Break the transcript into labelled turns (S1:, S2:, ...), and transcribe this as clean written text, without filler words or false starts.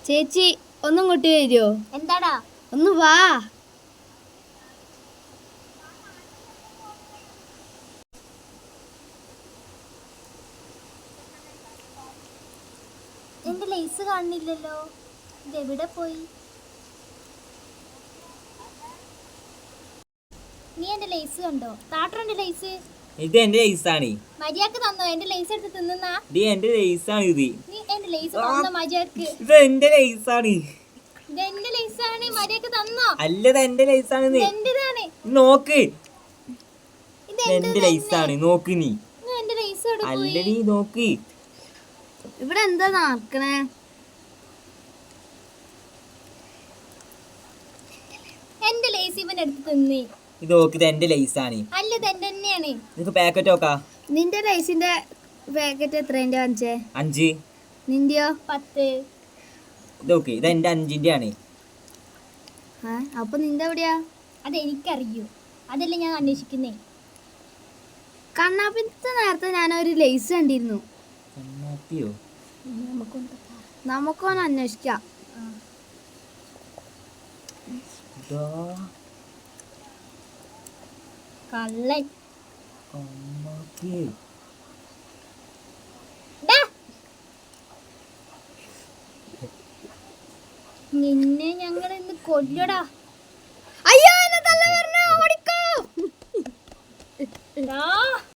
S1: ചേച്ചി ഒന്നും കൊട്ടി വരുമോ?
S2: എന്താടാ?
S1: ഒന്ന് വാ.
S2: എന്റെ ലേസ് കാണുന്നില്ലല്ലോ, ഇതെവിടെ പോയി? നീ എന്റെ ലേസ് കണ്ടോ? താട്ടന്റെ ലേസ്.
S3: ഇത് എന്റെ ലേസാണ്.
S2: മര്യാദക്ക് തന്നോ? എന്റെ ലേസ് എടുത്ത് തിന്നുന്നാ?
S3: ഇത് എന്റെ ലേസാണ്. ഇത്
S2: നീ എന്റെ ലേസ് തന്നോ മര്യാദക്ക്?
S3: ഇത് എന്റെ ലേസാണ്.
S2: ഇത് എന്റെ ലേസാണ്, മര്യാദക്ക് തന്നോ?
S3: അല്ലത് എന്റെ ലേസാണ്.
S2: എന്റേതാണ്.
S3: നോക്ക്,
S2: ഇത്
S3: എന്റെ ലേസാണ്. നോക്ക് നീ.
S2: എന്റെ ലേസ്
S3: അല്ല നീ നോക്ക്.
S1: ഇവിടെ എന്താ നടക്കണേ?
S2: എന്റെ ലേസ് ഇവൻ എടുത്ത് തിന്നേ.
S3: ഇത് നോക്ക്, ഇത് എന്റെ ലേസാണ്.
S2: അല്ല, ഇത് എന്റെ തന്നെയാണ്.
S3: നിനക്ക് പാക്കറ്റ് നോക്കാ.
S1: നിന്റെ ലൈസിന്റെ പാക്കറ്റ് എത്രേന്റെ വാങ്ങിച്ചേ?
S3: 5.
S1: നിന്റെയോ?
S2: 10.
S3: ഇത് നോക്ക്, ഇത് എന്റെ 5ന്റെ ആണ്.
S1: അപ്പൊ നിന്റെ എവിടെയാ?
S2: അതെനിക്കറിയൂ, അതല്ലേ ഞാൻ അന്വേഷിക്കുന്നേ.
S1: കണ്ണാപ്പിത്തെ നേരത്തെ ഞാനൊരു ലൈസ് കണ്ടിരുന്നു. നമുക്കൊന്ന് അന്വേഷിക്കാം.
S2: കള്ളൻ. നിന്നെ ഞങ്ങൾ ഇന്ന് കൊല്ലടാ.